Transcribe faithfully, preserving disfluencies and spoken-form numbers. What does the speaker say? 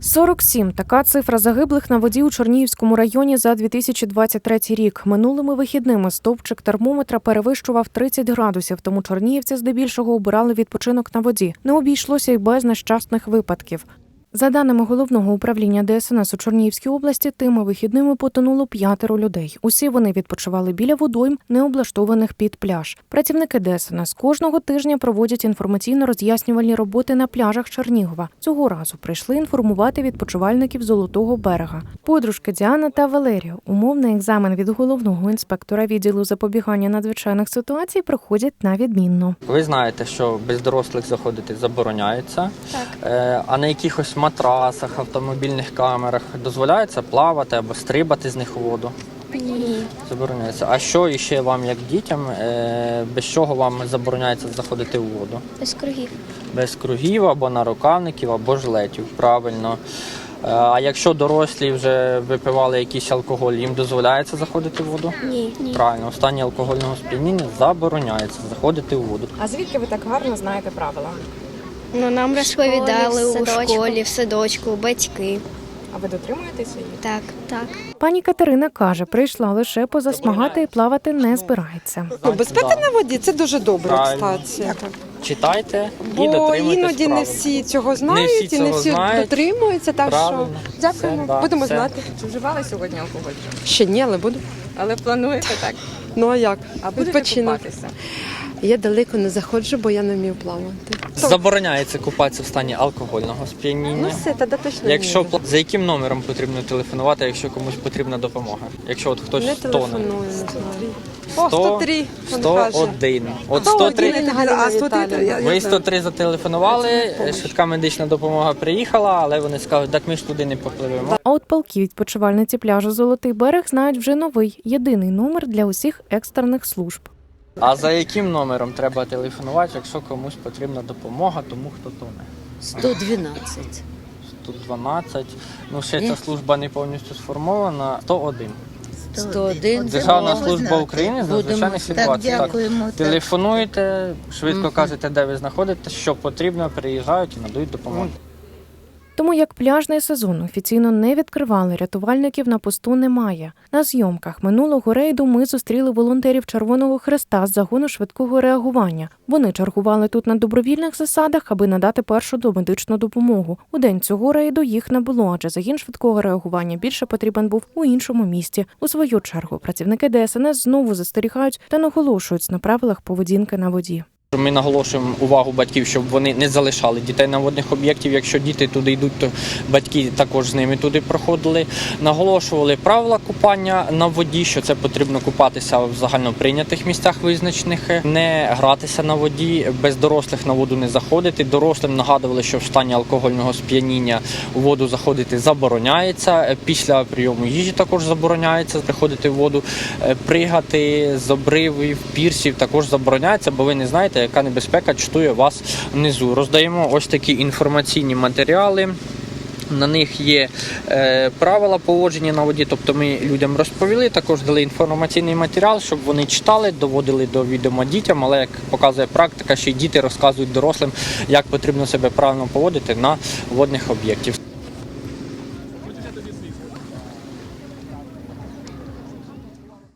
сорок сім – така цифра загиблих на воді у Чернігівському районі за дві тисячі двадцять третій рік. Минулими вихідними стовпчик термометра перевищував тридцять градусів, тому чернігівці здебільшого обирали відпочинок на воді. Не обійшлося й без нещасних випадків. За даними Головного управління Де Ес Ен Ес у Чернігівській області, тими вихідними потонуло п'ятеро людей. Усі вони відпочивали біля водойм, не облаштованих під пляж. Працівники Де Ес Ен Ес кожного тижня проводять інформаційно-роз'яснювальні роботи на пляжах Чернігова. Цього разу прийшли інформувати відпочивальників Золотого берега. Подружки Діана та Валерія умовний екзамен від головного інспектора відділу запобігання надзвичайних ситуацій проходять на відмінно. Ви знаєте, що без дорослих заходити забороняється, Так. а на якихось матрасах, автомобільних камерах дозволяється плавати або стрибати з них у воду? Ні. Забороняється. А що іще вам, як дітям, без чого вам забороняється заходити у воду? Без кругів. Без кругів або нарукавників, або жилетів, правильно. А якщо дорослі вже випивали якийсь алкоголь, їм дозволяється заходити в воду? Ні. Ні. Правильно, в стані алкогольного сп'яніння забороняється заходити у воду. А звідки ви так гарно знаєте правила? Ну, нам розповідали школі, в у садочку. школі, в садочку, батьки. А ви дотримуєтеся її? Так. Так. Пані Катерина каже, прийшла лише позасмагати і плавати не збирається. Ну, безпека на воді – це дуже добре, Правильно. кстати. Читайте і Бо дотримуйтесь іноді правил. не всі цього знають всі і не цього всі знають. дотримуються, так Правильно. що дякуємо, Все, да, будемо все. знати. Чи вживали сьогодні алкоголь? Ще ні, але буду. Але плануєте так? Ну а як? А будете Відпочинок. купатися? Я далеко не заходжу, бо я не вмію плавати. Забороняється купатися в стані алкогольного Ну сп'яніння. все, тоді точно Якщо не пла- за яким номером потрібно телефонувати, якщо комусь потрібна допомога? Якщо от хтось Не тоне. телефоную, не знаю. О, сто три, він каже. сто один. От сто сто один. три. А сто три, Ви сто три зателефонували, швидка медична допомога приїхала, але вони скажуть, так ми ж туди не попливемо. А от палки відпочивальниці пляжу «Золотий берег» знають вже новий, єдиний номер для усіх екстрених служб. А за яким номером треба телефонувати, якщо комусь потрібна допомога, тому хто тоне? сто дванадцять. сто дванадцять. Ну, ще ця служба не повністю сформована. сто один. сто один. Державна служба України з надзвичайних ситуацій. Так, дякуємо. Так. Телефонуєте, швидко Мгм. кажете, де ви знаходитесь, що потрібно, приїжджають і надають допомогу. Тому як пляжний сезон офіційно не відкривали, рятувальників на посту немає. На зйомках минулого рейду ми зустріли волонтерів Червоного Хреста з загону швидкого реагування. Вони чергували тут на добровільних засадах, аби надати першу домедичну допомогу. У день цього рейду їх не було, адже загін швидкого реагування більше потрібен був у іншому місті. У свою чергу працівники Де Ес Ен Ес знову застерігають та наголошують на правилах поведінки на воді. Ми наголошуємо увагу батьків, щоб вони не залишали дітей на водних об'єктів. Якщо діти туди йдуть, то батьки також з ними туди проходили. Наголошували правила купання на воді, що це потрібно купатися в загальноприйнятих місцях визначених, не гратися на воді, без дорослих на воду не заходити. Дорослим нагадували, що в стані алкогольного сп'яніння у воду заходити забороняється. Після прийому їжі також забороняється приходити в воду. Пригати з обривів, пірсів також забороняється, бо ви не знаєте, яка небезпека чатує вас внизу. Роздаємо ось такі інформаційні матеріали. На них є е, правила поводження на воді, тобто ми людям розповіли, також дали інформаційний матеріал, щоб вони читали, доводили до відома дітям, але, як показує практика, ще й діти розказують дорослим, як потрібно себе правильно поводити на водних об'єктах.